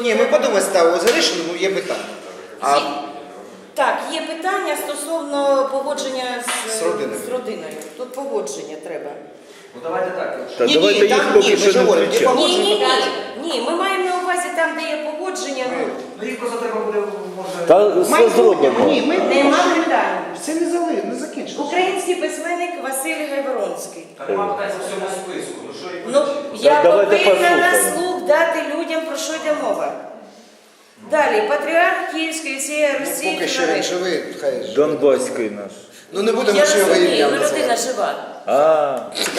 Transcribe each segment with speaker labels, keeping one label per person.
Speaker 1: Ні, ми подумаємо, ставимо за рішення, є питання.
Speaker 2: Так, є питання стосовно погодження
Speaker 1: З
Speaker 2: родиною. Тут погодження треба.
Speaker 3: Ну давайте так.
Speaker 4: Та
Speaker 1: Ні,
Speaker 4: давайте
Speaker 1: ні,
Speaker 4: їх
Speaker 1: там
Speaker 4: поки
Speaker 1: ні,
Speaker 4: що
Speaker 1: ми ж
Speaker 4: не
Speaker 1: говоримо,
Speaker 4: включати.
Speaker 1: ні,
Speaker 2: Ні, ми маємо на увазі там, де є погодження.
Speaker 3: Ну їх просто треба буде, може...
Speaker 4: Та все зробимо.
Speaker 1: Ні, ми
Speaker 2: Нема питань.
Speaker 1: це не закінчилося.
Speaker 2: Український письменник Василь Гайворонський.
Speaker 3: Так нема питань по всьому списку. Ну що їх
Speaker 2: Ну,
Speaker 3: визначити?
Speaker 2: я
Speaker 4: давайте
Speaker 2: повинна на
Speaker 4: послухаємо.
Speaker 2: слух дати людям, про що йде мова. Далі, патріарх Київської всієї Русі.
Speaker 1: Поки що він живий, хай ж.
Speaker 4: Донбаський наш.
Speaker 1: Ну не будемо
Speaker 2: Я
Speaker 1: ще його
Speaker 2: розумію,
Speaker 1: ім'я
Speaker 2: ви людина
Speaker 1: називати.
Speaker 2: жива.
Speaker 4: А,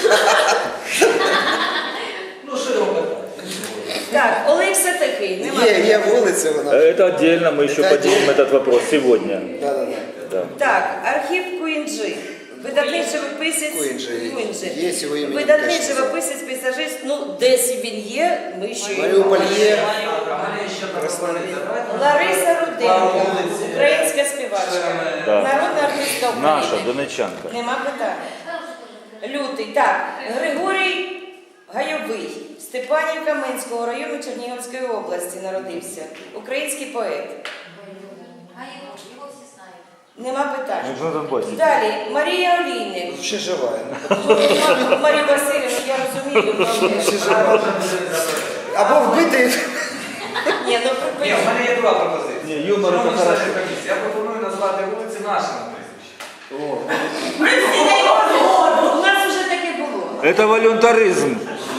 Speaker 3: Ну що його питати?
Speaker 2: Так, Олекса такий, нема.
Speaker 1: Є вулиця вона.
Speaker 4: это отдельно, мы еще
Speaker 1: Это
Speaker 4: поднимем этот вопрос сегодня.
Speaker 1: Да.
Speaker 4: Да.
Speaker 2: Так, Архіп Куінджи. Видатний живописець.
Speaker 1: Куінджи. Є його ім'я
Speaker 2: Видатний
Speaker 1: теж.
Speaker 2: живописець, пейзажист. Ну, десь він є, ми ще
Speaker 1: Маріуполь є.
Speaker 2: Лариса Руденко, українська співачка.
Speaker 4: Да.
Speaker 2: Народна артистка
Speaker 4: Наша,
Speaker 2: України.
Speaker 4: донечанка.
Speaker 2: Нема питань. Лютий. Так, Григорій Гайовий. Степанівка Менського району Чернігівської області народився. Український поет.
Speaker 5: Його всі знають.
Speaker 2: Нема питань.
Speaker 4: Ну, на Донбасі.
Speaker 2: Далі, Марія Олійник.
Speaker 1: Ще жива.
Speaker 2: Марію Васильівну, я розумію.
Speaker 1: Ще жива. Або вбити.
Speaker 2: Ні, ну
Speaker 3: Ні, в
Speaker 2: припиніть.
Speaker 3: мене є друга пропозиція.
Speaker 4: Ні, юмор
Speaker 3: Шановні
Speaker 4: це хорошо.
Speaker 3: члени комісії, я пропоную назвати вулиці нашими прізвищами.
Speaker 2: У нас вже таке було.
Speaker 4: Это волюнтаризм.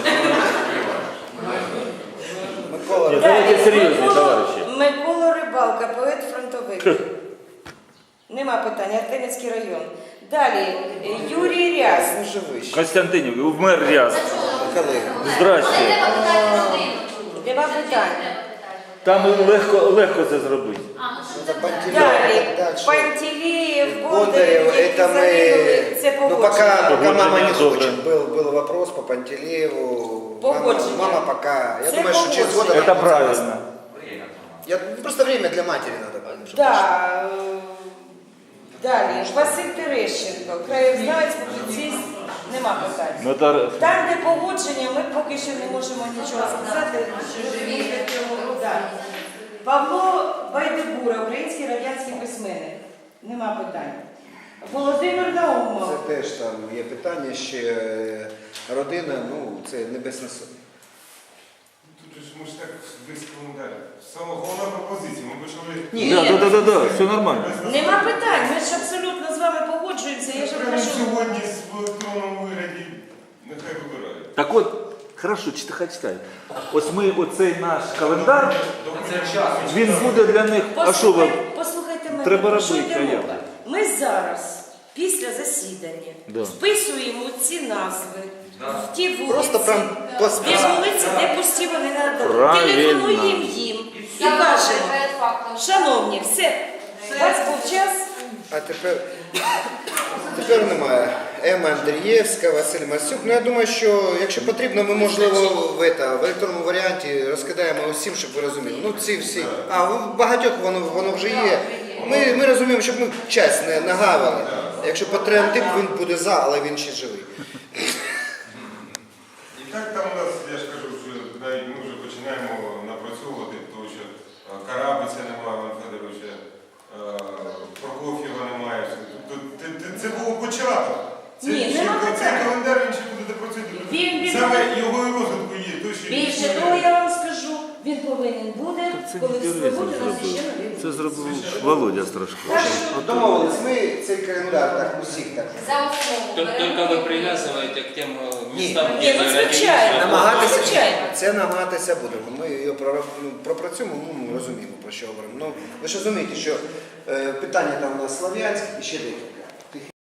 Speaker 1: Микола.
Speaker 4: Ні, давайте серйозні,
Speaker 2: Микола-
Speaker 4: товариші.
Speaker 2: Микола Рибалка, поет-фронтовик. Нема питань, Артемівський район. Далі, Юрій Ряз.
Speaker 1: Не живий ще.
Speaker 4: Константинів, мер Ряз.
Speaker 1: Коли?
Speaker 4: Здрасте.
Speaker 2: Нема питань.
Speaker 4: Там легко це зробити.
Speaker 1: За Пантелеєва,
Speaker 2: Далі,
Speaker 1: так що.
Speaker 2: Пантелеєв,
Speaker 1: Бондарев,
Speaker 2: Бондарев, які
Speaker 1: это мы...
Speaker 2: загинули. Це
Speaker 1: Ну
Speaker 2: погодження.
Speaker 1: пока мама не
Speaker 4: Погодження,
Speaker 1: хочет. Был вопрос по Пантелееву.
Speaker 2: Погодження.
Speaker 1: Мама пока. Я
Speaker 2: Це
Speaker 1: думаю, что через год она
Speaker 4: Это
Speaker 1: будет
Speaker 4: правильно.
Speaker 1: согласна. Просто время для матери надо. чтобы
Speaker 2: Да. Далі, Василь Терещенко, краєзнавець, публіцист, нема питань.
Speaker 4: Ну, это...
Speaker 2: Там, де погодження, ми поки що не можемо нічого сказати. Да. Павло Байдебура, український радянський письменник. Нема питань. Володимир Наумов.
Speaker 1: Це теж там є питання, ще родина, ну це Небесна Сотня.
Speaker 6: Тут же ми ж так вискали далі. Саме головна пропозиція, ми почали...
Speaker 4: Да, все нормально.
Speaker 2: Нема питань, ми ж абсолютно з вами погоджуємося. Я ж
Speaker 6: Прямо
Speaker 2: прошу.
Speaker 6: сьогодні в електронному вигляді нехай вибирають.
Speaker 4: Так от, хорошо, читай. Ось ми, оцей наш календар,
Speaker 3: Це час.
Speaker 4: він буде для них, а що ви?
Speaker 2: Послухайте мене,
Speaker 4: Треба
Speaker 2: про що
Speaker 4: робити,
Speaker 2: йде
Speaker 4: а як?
Speaker 2: мова? Ми зараз, після засідання,
Speaker 4: Да.
Speaker 2: вписуємо ці назви в ті вулиці,
Speaker 1: Просто прям по
Speaker 2: ті вулиці, де пусті вони надали.
Speaker 4: Правильно.
Speaker 2: Телефонуємо їм і кажемо, шановні, все, у вас був час.
Speaker 1: А тепер немає. Ема Андрієвська, Василь Масюк. Ну я думаю, що якщо потрібно, ми можливо в електронному варіанті розкидаємо усім, щоб ви розуміли. Ну ці всі. А в багатьох воно вже є. Ми розуміємо, щоб ми час не нагавили. Якщо патріотип, він буде за, але він ще живий.
Speaker 6: І так там у нас, я ж кажу, що навіть ми вже починаємо напрацьовувати, тому що Карабиця немає, Івана Федоровича, Прокоф'єва немає. Це був початок.
Speaker 2: Ні, нема
Speaker 6: Цей
Speaker 2: питань.
Speaker 6: календар він ще буде допрацювати.
Speaker 2: Він-
Speaker 6: Саме його і розвитку є. То, що
Speaker 2: Більше того, я вам скажу, він повинен буде, коли все буде, нас ще нові.
Speaker 4: Це зробив Володя Страшко.
Speaker 1: Домовились, ми цей календар так усіх так.
Speaker 5: За основу.
Speaker 7: Только вы привязываете к тем местам,
Speaker 2: Ні, ну звичайно.
Speaker 1: Намагатися,
Speaker 2: Звичайно.
Speaker 1: це намагатися будемо. Ми його пропрацюємо, ми розуміємо, про що говоримо. Ну, ви ж розумієте, що питання там у нас Слов'янськ і ще деякі.